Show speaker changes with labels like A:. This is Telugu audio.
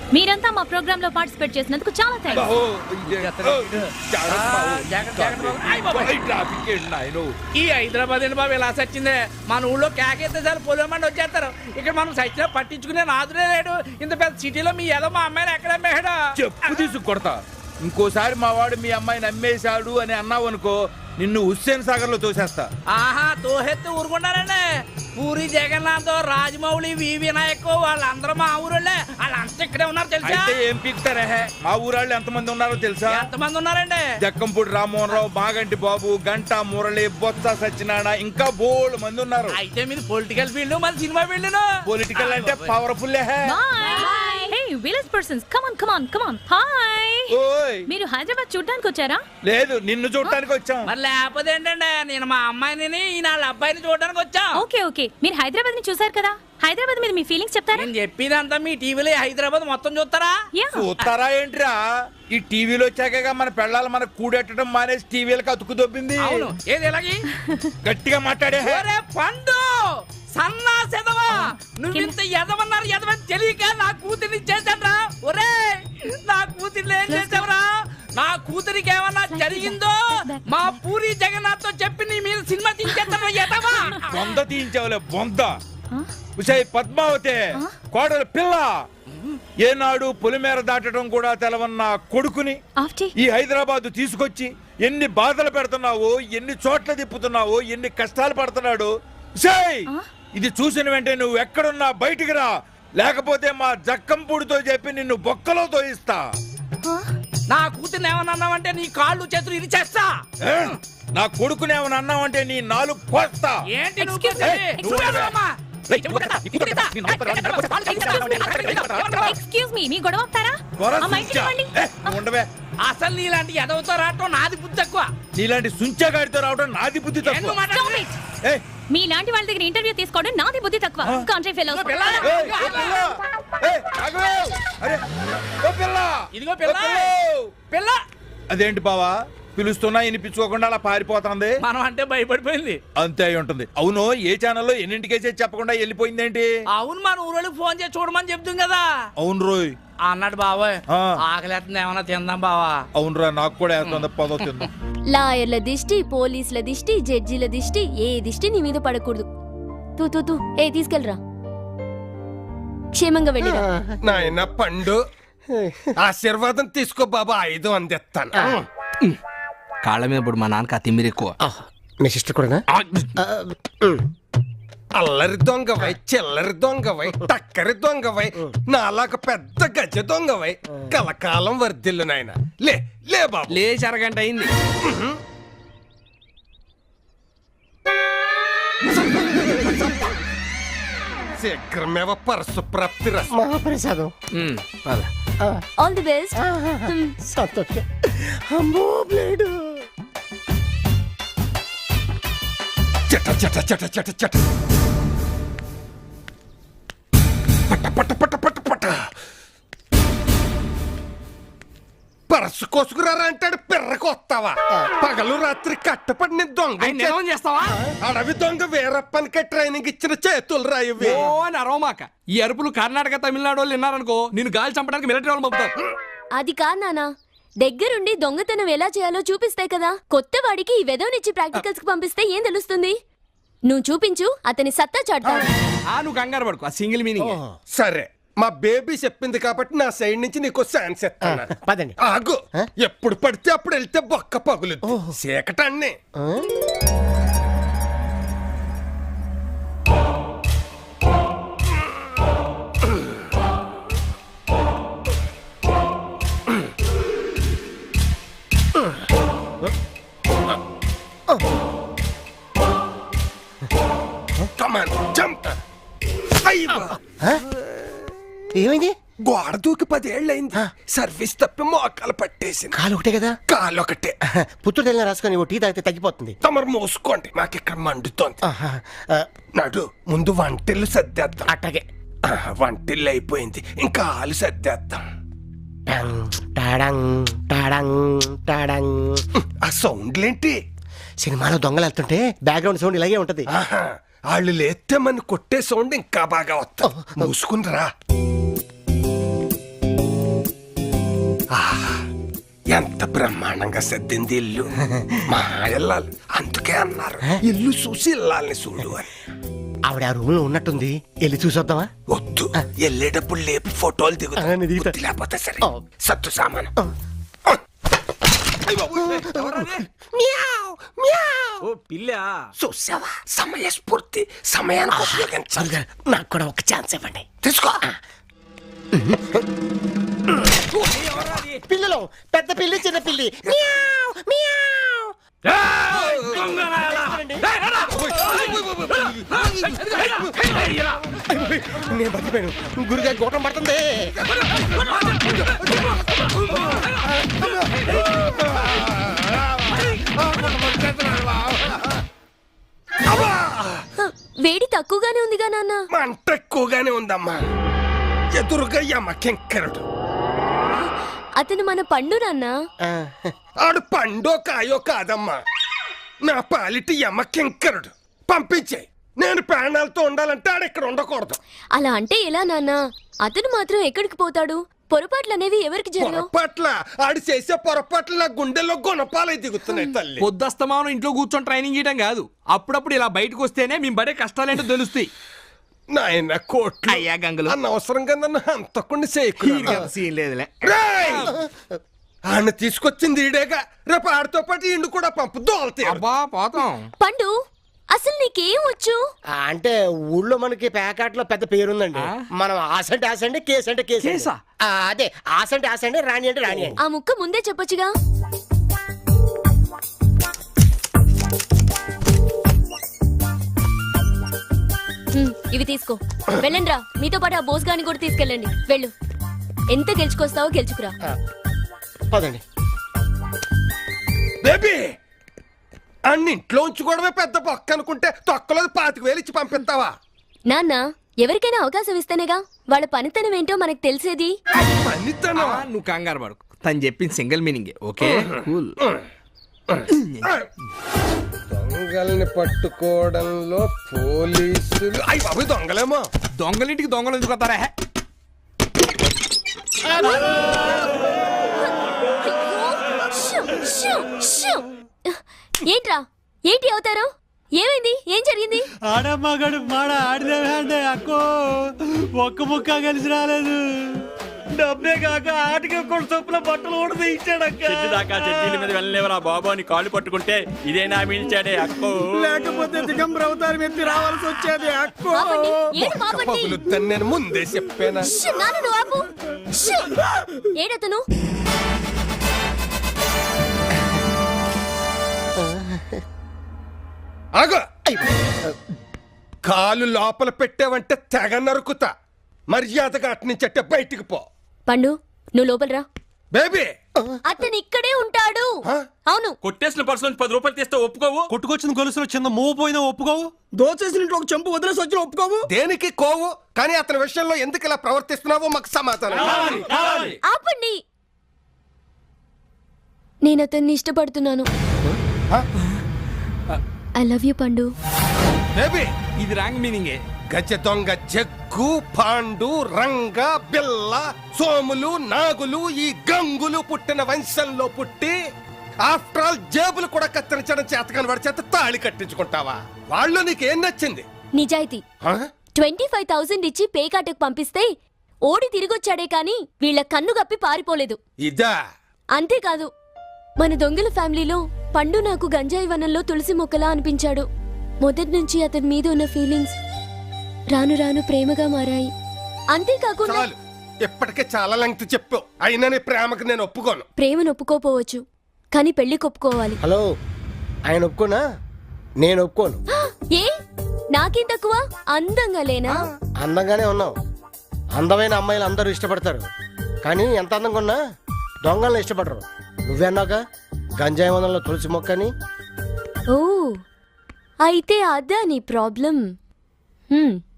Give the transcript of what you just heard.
A: మీరంతా మా ప్రోగ్రామ్ లో పార్టిసిపేట్ చేసినందుకు చాలా థ్యాంక్స్.
B: ఈ హైదరాబాద్ ఏంటి బాబు ఇలా సచ్చిందే? మన ఊళ్ళో కేకేస్తే సార్ పొలమండి వచ్చేస్తారు. ఇక్కడ మనం సచ్చిన పట్టించుకునే నాదులే లేడు. ఇంత పెద్ద సిటీలో మీ ఏదో మా అమ్మాయిని ఎక్కడ అమ్మేడు?
C: చెప్పు తీసుకు కొడతా. ఇంకోసారి మా వాడు మీ అమ్మాయిని అమ్మేశాడు అని అన్నావు అనుకో, నిన్ను హుస్సేన్ సాగర్ లో తోసేస్తా.
B: ఆహా, తోహెత్తి ఊరుకున్నారండి. పూరి జగన్నాథ్, రాజమౌళి, వి వినాయక్ వాళ్ళందరూ మా ఊరోళ్ళే. వాళ్ళంతా ఇక్కడే ఉన్నారు తెలుసా?
C: అయితే ఏం పీకుతారే? మా ఊరాళ్ళు ఎంతమంది ఉన్నారో తెలుసా?
B: ఎంతమంది ఉన్నారండి?
C: జక్కంపూడి రామ్మోహన్ రావు, మాగంటి బాబు, గంటా మురళి, బొత్స సత్యనారాయణ, ఇంకా బోల్డ్ మంది ఉన్నారు.
B: అయితే మీరు పొలిటికల్ ఫీల్డ్, మన సినిమా ఫీల్డ్.
C: పొలిటికల్ అంటే powerful.
A: Hey village persons, come on come on come on. Hi.
C: ఓయ్,
A: మీరు హైదరాబాద్ చూడడానికి వచ్చారా?
C: లేదు, నిన్ను చూడటానికి వచ్చాం.
B: మరి లేకపోతే ఏంటండి, నేను మా అమ్మాయిని వాళ్ళ అబ్బాయిని చూడడానికి వచ్చాం.
A: ఓకే ఓకే, మీరు హైదరాబాద్ ని చూసారు కదా, హైదరాబాద్ మీద మీ ఫీలింగ్స్ చెప్తారా?
B: నేను చెప్పినంతా మీ టీవీలో హైదరాబాద్ మొత్తం చూస్తారా?
C: చూస్తారా ఏంట్రా? ఈ టీవీలో వచ్చాక మన పెళ్ళాలి మనకు కూడెట్టడం మానేసి టీవీలకు అతుకు దొబ్బింది.
B: అవును, ఏది ఎలాగి
C: గట్టిగా మాట్లాడే.
B: పండు సన్నా సెదవా, నువ్వింత ఎదవన్నారు ఎదవని తెలియక నా కూతుర్ని చేశాడ్రా. ఒరే, నా కూతుర్ని ఏం చేసావురా? నా కూతురికి ఏమన్నా జరిగిందో మా పూరి జగన్నాథ్ తో చెప్పి నీ మీద సినిమా తీసేస్తావా ఎదవా?
C: బొంద తీయించావులే బొంద. ఉషయ్ పద్మావతి, కోడలు పిల్ల, ఏనాడు పొలిమేర దాటడం కూడా తెలవన్న కొడుకుని ఈ హైదరాబాద్ తీసుకొచ్చి ఎన్ని బాధలు పెడుతున్నావో, ఎన్ని చోట్ల తిప్పుతున్నావో, ఎన్ని కష్టాలు పడుతున్నాడు. ఉషయ్, ఇది చూసిన వెంటనే నువ్వు ఎక్కడున్నా బయటికి రా, లేకపోతే మా జక్కంపూడితో చెప్పి నిన్ను బొక్కలో తోయిస్తా.
B: నా కూతుర్ని ఏమన్నా అన్నావంటే నీ కాళ్ళు చేతులు ఇది చేస్తా.
C: నా కొడుకుని ఏమన్నా అన్నావంటే నీ నాలుగు కోస్తా.
B: ఏంటి
A: ఎక్స్క్యూజ్ మీ, మీ గొడవ ఆపుతారా?
C: ఉండవే.
B: అసలు నీలాంటి ఎదవతో రావటం నాది బుద్ధి తక్కువ.
C: నీలాంటి సుంచగాడితో రావడం నాది బుద్ధి తక్కువ.
A: మీలాంటి వాళ్ళ దగ్గర ఇంటర్వ్యూ తీసుకోవడం నాది బుద్ధి తక్కువ. Country fellows.
B: ఇదిగో పిల్ల.
C: అదేంటి బావా, పిలుస్తున్నా వినిపించుకోకుండా అలా పారిపోతుంది?
B: మనం అంటే భయపడిపోయింది.
C: అంతే అయి ఉంటుంది. అవును, ఏ ఛానల్లో ఎన్నింటికేసే చెప్పకుండా వెళ్ళిపోయిందేంటి?
B: అవును, మన ఊరోళ్ళకి ఫోన్ చేసి చూడమని చెప్తాం కదా.
C: అవును రోయ్
B: అన్నాడు బాబాయ్. ఆకలేస్తుంది, ఏమన్నా తిందాం బావా.
C: అవునురా, నాకు కూడా వేస్తుంది. పదో తిందాం.
D: లాయర్ల దిష్టి, పోలీసుల దిష్టి, జడ్జిల దిష్టి, ఏ దిష్టి నీ మీద పడకూడదు. తూ ఏ తీసుకెళ్ళరా, క్షేమంగా వెళ్ళిరా.
E: నాయన పండు, ఆశీర్వాదం తీసుకో బాబా, 5 అందిస్తాను.
F: కాళ్ళ మీద ఇప్పుడు మా నాన్నకి ఆ తిమ్మిరి ఎక్కువ.
E: మీ సిస్టర్ కూడా అల్లరి దొంగవై, చిల్లరి దొంగవై, టక్కరి దొంగవై, నాలాగ పెద్ద గజ దొంగవై కలకాలం వర్ధిల్లు నాయన. లే బాబు,
F: లేచి అరగంట అయింది.
E: శీఘ్రమేవ పరసు ప్రాప్తి మహాప్రసాదం.
D: All the best.
E: సంతోషం. అమ్మో బ్లేడు. చట చట చట చట చట పట పట పట పట పట. పరసు కోసుకురారా అంటాడు, పిర్రకు వస్తావా? పగలు రాత్రి కట్టపడిన దొంగ
F: చేస్తావా?
E: అడవి దొంగ వీరప్పనికి ట్రైనింగ్ ఇచ్చిన చేతులు రాయవి.
F: అరోమాక ఈ అరుపులు కర్ణాటక తమిళనాడు వాళ్ళు విన్నారనుకో, నేను గాలి చంపడానికి మిలిటరీ వాళ్ళు పంపుతారు.
D: అది కాదు నానా, దగ్గరుండి దొంగతనం ఎలా చేయాలో చూపిస్తే కదా. కొత్త వాడికి ఈ వెదవనిచ్చి ప్రాక్టికల్స్ కి పంపిస్తే ఏం తెలుస్తుంది? నువ్వు చూపించు, అతని సత్తా చాటుతావు.
F: నువ్వు కంగారు పడుకో, ఆ సింగిల్ మీనింగ్.
E: సరే, మా బేబీ చెప్పింది కాబట్టి నా సైడ్ నుంచి నీకు ఛాన్స్ ఇస్తాను. పదండి. ఆగు, ఎప్పుడు పడితే అప్పుడు వెళ్తే బొక్క పగులు చీకటాన్ని.
G: ఏమైంది?
E: గోడ దూకి 10 ఏళ్ళైంది. సర్వీస్ తప్పి మోకాలు పట్టేసింది.
G: కాలు ఒకటే కదా?
E: కాలు ఒకటే.
G: పుత్తూరు తెల్ల రాసుకొని టీ తాగితే తగ్గిపోతుంది.
E: తమరు మూసుకోండి, నాకు ఇక్కడ మండుతోంది. నడు, ముందు వంటిల్లు సర్దేద్దాం.
G: అట్టగే.
E: వంటిల్లు అయిపోయింది, ఇంకా ఆలు సర్దేద్దాం. ఆ సౌండ్లేంటి?
G: సినిమాలో దొంగలు వెళ్తుంటే బ్యాక్గ్రౌండ్ సౌండ్ ఇలాగే ఉంటది.
E: వాళ్ళు లేస్తే మన కొట్టే సౌండ్ ఇంకా బాగా వస్తా. మూసుకుని రా. ఎంత బ్రహ్మాండంగా సర్దింది ఇల్లు. మా ఇల్లాలు అందుకే అన్నారు ఇల్లు చూసి ఇల్లాలని చూడు అని.
G: ఆవిడ ఆ రూమ్ లో ఉన్నట్టుంది, వెళ్ళి చూసొద్దామా?
E: వద్దు, వెళ్ళేటప్పుడు లేపి ఫోటోలు
G: ఆ, నేను దిగుతా.
E: దిగుతా. లేకపోతే సరే
G: ఆ.
E: సత్తు సామాను.
B: ఓ పిల్ల
E: చూసావా, సమయస్ఫూర్తి, సమయానికి ఉపయోగించాలి.
G: నాకు కూడా ఒక ఛాన్స్ ఇవ్వండి.
E: తీసుకో.
G: పిల్లలు, పెద్ద పిల్లి చిన్న పిల్లి. Meow, meow. నేను బతికిపోయాను, గురిగా గోటం పడుతుంది.
D: వేడి తక్కువగానే ఉందిగా నాన్న.
E: మంట ఎక్కువగానే ఉందమ్మా. ఎదురుగా యమ కింకరుడు.
D: అతను మన పండు నాన్న.
G: ఆ,
E: ఆడు పండో కాయో కాదమ్మా, నా పాలిటి యమ కింకరుడు. పంపించే, నేను ప్రాణాలతో ఉండాలంటే ఆడు ఇక్కడ ఉండకూడదు.
D: అలా అంటే ఎలా నాన్న? అతను మాత్రం ఎక్కడికి పోతాడు? పొరపాట్లు అనేవి ఎవరికి జరగవు.
E: పొరపాట్ల ఆడు చేసే పొరపాట్లు నా గుండెల్లో గుణపాలై దిగుతున్నాయి తల్లి.
F: పొద్దుస్తమానం ఇంట్లో కూర్చొని ట్రైనింగ్ చేయడం కాదు, అప్పుడప్పుడు ఇలా బయటకు వస్తేనే మేము పడే కష్టాలేంటో తెలుస్తాయి.
E: నాయన కోట్లు
F: అయ్యా గంగులు.
E: అనవసరంగా నన్ను హంతకుండా చేయకు.
F: సీన్ లేదులే.
E: ఆయన తీసుకొచ్చింది ఈడేగా, రేపు ఆడితో పాటు ఇండు కూడా పంపు దోలతాయి.
F: అబ్బా పోతాం.
D: పండు, అసలు నీకేం వచ్చు?
G: అంటే ఊళ్ళో మనకి ప్యాకెట్లో పెద్ద పేరుందండి. మనం ఆసంటే ఆసండి, కేసు అంటే కేసు.
F: కేసా?
G: అదే ఆసంటే ఆసండి, రాణి అంటే రాణి అండి.
D: ఆ ముక్క ముందే చెప్పొచ్చుగా. ఇవి తీసుకో, వెళ్ళండి రా. మీతో పాటు ఆ బోస్ గాని కూడా తీసుకెళ్ళండి. వెళ్ళు, ఎంత గెలుచుకొస్తావో గెలుచుకురా.
G: పదండి.
E: బేబీ, అన్నింట్లో ఉంచుకోవడమే పెద్ద బొక్క అనుకుంటే తొక్కలో 25,000 ఇచ్చి పంపిస్తావా?
D: నాన్న, ఎవరికైనా అవకాశం ఇస్తేనేగా వాళ్ళ పనితనం ఏంటో మనకు తెలిసేది.
E: పనితనం
F: నువ్వు కంగారు పడకు, తను చెప్పింది సింగిల్ మీనింగ్. Okay cool.
E: దొంగల్ని పట్టుకోవడంలో పోలీసులు అయ్యి బాబు దొంగలేమో.
F: దొంగలింటికి దొంగలు ఎందుకు వస్తారా?
D: Shoo, shoo, shoo. ఏంట్రా, ఏంటి అవుతారు? ఏమైంది? ఏం జరిగింది?
H: ఆడమ్మగడు మాడ ఆడిదే అక్కో, ఒక్క ముక్క కలిసి రాలేదు. డబ్బే కాక ఆటకి కూడా చొప్పున బట్టలు కూడా ఇచ్చాడక్క.
B: దాకా చెట్టీల మీద వెళ్ళలేవరా బాబు అని కాళ్ళు పట్టుకుంటే ఇదేనా మిల్చాడే అక్కో.
H: లేకపోతే దిగంబర అవతారం ఎత్తి రావాల్సి వచ్చేది అక్కో.
D: ఆపండి, ఏడు ఆపండి.
E: పగులుద్దని నేను ముందే చెప్పానా?
D: షూ, నాన్న నువ్వు ఆపు. షూ. ఏడతను?
E: ఆగో, కాలు లోపల పెట్టావంటే తెగ నరుకుతా. మర్యాదగా అట్నుంచట్టే బయటికి పో.
D: పండు, నువ్వు లోపల రా.
E: బేబీ,
D: అతను ఇక్కడే ఉంటాడు. అవును.
B: కొట్టేసిన పర్సు నుంచి 10 రూపాయలు తీస్తే ఒప్పుకోవు.
H: కొట్టుకొచ్చిన గొలుసులో చిన్న మూవ్ పోయినా ఒప్పుకోవు.
E: దోచేసిన ఇంట్లో ఒక చెంపు వదిలేసి వచ్చిన ఒప్పుకోవు. దేనికి కోవు? కానీ అతని విషయంలో ఎందుకు ఇలా ప్రవర్తిస్తున్నావో మాకు సమాధానం.
D: ఆపండి. నేను అతన్ని ఇష్టపడుతున్నాను. I love you Pandu.
E: Baby,
F: ఇది రాంగ్ మీనింగే.
E: గజ దొంగ జగ్గు, పాండు, రంగ, బిల్ల, సోములు, నాగులు, ఈ గంగులు పుట్టిన వంశంలో పుట్టి ఆఫ్టర్ ఆల్ జేబులు కూడా కత్తిరించడం చేతకాని వాడి చేత తాళి కట్టించుకుంటావా? వాళ్ళు నీకేం నచ్చింది?
D: నిజాయితీ.
E: హ?
D: 25,000 ఇచ్చి పేకాటకు పంపిస్తే ఓడి తిరిగొచ్చాడే కాని వీళ్ళ కన్ను గప్పి పారిపోలేదు.
E: ఇదా?
D: అంతేకాదు, మన దొంగల ఫ్యామిలీలో పండు నాకు గంజాయి వనంలో తులసి మొక్కలా అనిపించాడు. మొదటి నుంచి అతని మీద ఉన్న ఫీలింగ్స్ రాను రాను ప్రేమగా మారాయి. అంతేకాకుండా
E: చాలు, ఇప్పటికే చాలా లెంగ్త్ చెప్పావు. అయినా నీ ప్రేమకు నేను ఒప్పుకోను.
D: ప్రేమను ఒప్పుకోపోవచ్చు, కానీ పెళ్లి కొప్పుకోవాలి.
G: హలో, ఆయన ఒప్పుకోనా? నేను ఒప్పుకోను.
D: ఏ, నాకేం తక్కువ? అందంగా లేనా?
G: అందంగానే ఉన్నావు. అందమైన అమ్మాయిలు అందరూ ఇష్టపడతారు, కానీ ఎంత అందంగా ఉన్నా దొంగలను ఇష్టపడరు. నువ్వే అన్నావుగా గంజాయి వనంలో తులసి మొక్కని.
D: ఓ, అయితే అదా నీ ప్రాబ్లం.